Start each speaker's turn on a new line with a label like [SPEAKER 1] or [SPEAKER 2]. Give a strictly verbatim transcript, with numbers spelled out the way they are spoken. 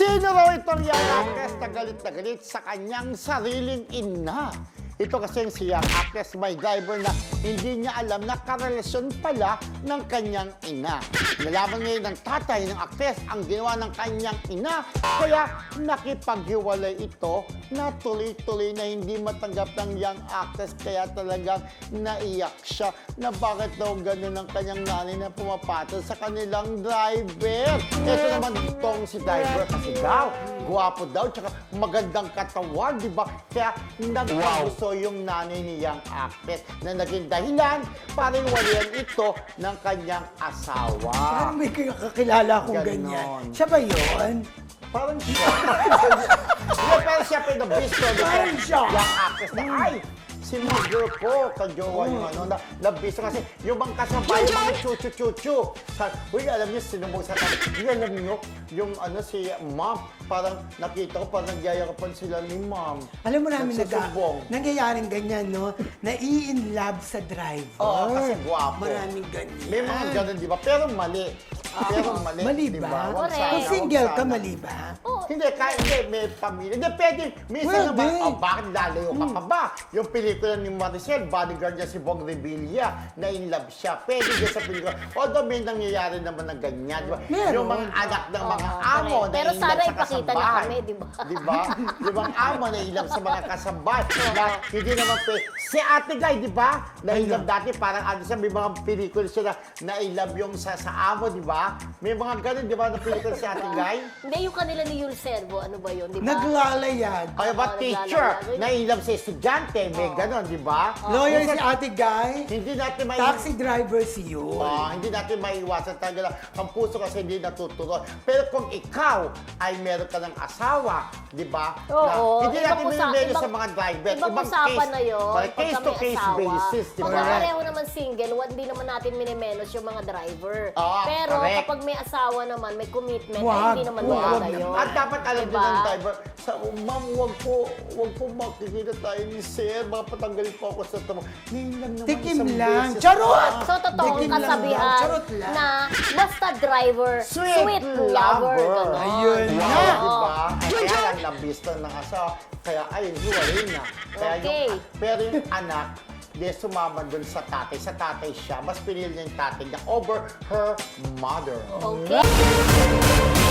[SPEAKER 1] Sino raw itong young actress na galit na galit sa kanyang sariling ina? Ito kasi si young actress may driver na hindi niya alam na karelasyon pala ng kanyang ina. Nalaman ngayon ng tatay ng actress ang ginawa ng kanyang ina, kaya nakipaghiwalay ito na tuloy-tuloy na hindi matanggap ng young actress, kaya talagang naiyak siya na bakit daw ganun ang kanyang nanay na pumapatol sa kanilang driver. Ito naman itong si driver kasi daw, guwapo daw, tsaka magandang katawan, di ba? Kaya nagkagusto yung nanay ni young actress na naging dahilan para iwalayan ito ng kanyang asawa.
[SPEAKER 2] Parang may kakilala akong
[SPEAKER 1] Ganon.
[SPEAKER 2] ganyan. Siya ba yun?
[SPEAKER 1] Parang siya. Hindi, pero siya pinabisto.
[SPEAKER 2] Parang siya.
[SPEAKER 1] Young actress na, ay, si mother ko, kajowa yung ano, na, nabisto kasi yung mga kasabay, yung mga chuchu-chuchu. Sa, uy, alam niyo, sinubog sa tayo. Hindi, alam niyo, yung ano, si mom, parang nakita ko, parang nagyayakapan sila ni mom.
[SPEAKER 2] Alam mo namin nag
[SPEAKER 1] Nagsusumbong.
[SPEAKER 2] nangyayaring ganyan, no? Nai-in love sa driver.
[SPEAKER 1] Oo, kasi gwapo.
[SPEAKER 2] Maraming ganyan.
[SPEAKER 1] May mga ganun, di ba? Pero mali. Pero mali,
[SPEAKER 2] Mali
[SPEAKER 1] di
[SPEAKER 2] ba?
[SPEAKER 1] Huwag
[SPEAKER 3] Correct.
[SPEAKER 1] sana,
[SPEAKER 2] Kung
[SPEAKER 1] huwag
[SPEAKER 2] single ka,
[SPEAKER 1] sana.
[SPEAKER 2] mali ba?
[SPEAKER 1] Hindi, kahit hindi, may pamilya. Hindi, pwede. Minsan
[SPEAKER 2] Pwede.
[SPEAKER 1] naman, oh, bakit lalayo ka pa ba? Yung pelikula ni Maricel, bodyguard niya si Bong Revilla, na in love siya. Pwede din sa pelikula. Although may nangyayari naman na ganyan, di ba?
[SPEAKER 2] Meron.
[SPEAKER 1] Yung mga anak ng mga
[SPEAKER 3] Oo,
[SPEAKER 1] amo
[SPEAKER 3] correct.
[SPEAKER 1] na
[SPEAKER 3] Pero
[SPEAKER 1] in
[SPEAKER 3] sana
[SPEAKER 1] love sa
[SPEAKER 3] ipakita niya
[SPEAKER 1] kasambahay.
[SPEAKER 3] kami, di ba?
[SPEAKER 1] Di ba? Yung mga amo na in love sa mga kasambay. Na hindi naman pwede. Si Ate Guy, di ba? Na in love dati, parang ano siya, may mga pelikula siya na, na in love yung sa, sa amo, di ba? May mga ganun, di ba, na pelikula si Ate Guy?
[SPEAKER 3] Hindi, yung kanila ni Yul Servo, ano ba yun, di ba?
[SPEAKER 2] Naglalayag.
[SPEAKER 1] Kaya ba
[SPEAKER 3] Oo,
[SPEAKER 1] teacher,
[SPEAKER 3] naglalaro.
[SPEAKER 1] na in love sa estudyante, may ganon, di ba?
[SPEAKER 2] Lawyer
[SPEAKER 1] Minsan,
[SPEAKER 2] si Ate Guy.
[SPEAKER 1] Hindi natin may...
[SPEAKER 2] Taxi driver si Yul.
[SPEAKER 1] Ah, hindi natin maiwasan talaga lang. Ang puso kasi hindi natuturo. Pero kung ikaw ay meron ka ng asawa, di ba?
[SPEAKER 3] Oo,
[SPEAKER 1] na, hindi
[SPEAKER 3] ibang
[SPEAKER 1] natin
[SPEAKER 3] usa-
[SPEAKER 1] minimelo
[SPEAKER 3] ibang-
[SPEAKER 1] sa mga driver.
[SPEAKER 3] Ibang usapan na yun.
[SPEAKER 1] Correct.
[SPEAKER 3] pagka
[SPEAKER 1] Case to
[SPEAKER 3] may
[SPEAKER 1] case
[SPEAKER 3] asawa.
[SPEAKER 1] basis, di
[SPEAKER 3] Pag
[SPEAKER 1] ba?
[SPEAKER 3] pareho naman single, hindi naman natin minimenos yung mga driver.
[SPEAKER 1] Oo,
[SPEAKER 3] Pero
[SPEAKER 1] correct.
[SPEAKER 3] kapag may asawa naman, may commitment,
[SPEAKER 2] Wag,
[SPEAKER 3] ay hindi naman
[SPEAKER 2] wag.
[SPEAKER 3] maganda yun.
[SPEAKER 1] At dapat alam
[SPEAKER 3] Diba?
[SPEAKER 1] din ng driver, sa oh, ma'am, wag po, wag po makikita tayo ni Sir, baka patanggalin po ako sa tamo. Ngayon lang naman
[SPEAKER 2] Tikim
[SPEAKER 1] isang
[SPEAKER 2] lang.
[SPEAKER 1] beses
[SPEAKER 2] Charot!
[SPEAKER 1] lang.
[SPEAKER 3] So, totoo ang
[SPEAKER 2] Dikim lang
[SPEAKER 3] kasabihan
[SPEAKER 2] lang. Charot lang.
[SPEAKER 3] na basta driver,
[SPEAKER 1] Sweet
[SPEAKER 3] sweet,
[SPEAKER 1] lover.
[SPEAKER 3] lover. ganon.
[SPEAKER 2] Ayun
[SPEAKER 1] Wow,
[SPEAKER 2] na.
[SPEAKER 1] diba? Kaya lang nabista ng asawa. Kaya ayun, hiwalay na. Kaya
[SPEAKER 3] Okay.
[SPEAKER 1] yung, pero yung anak, di sumama dun sa tatay. Sa tatay siya, mas pinili niya yung tatay niya over her mother.
[SPEAKER 3] Okay.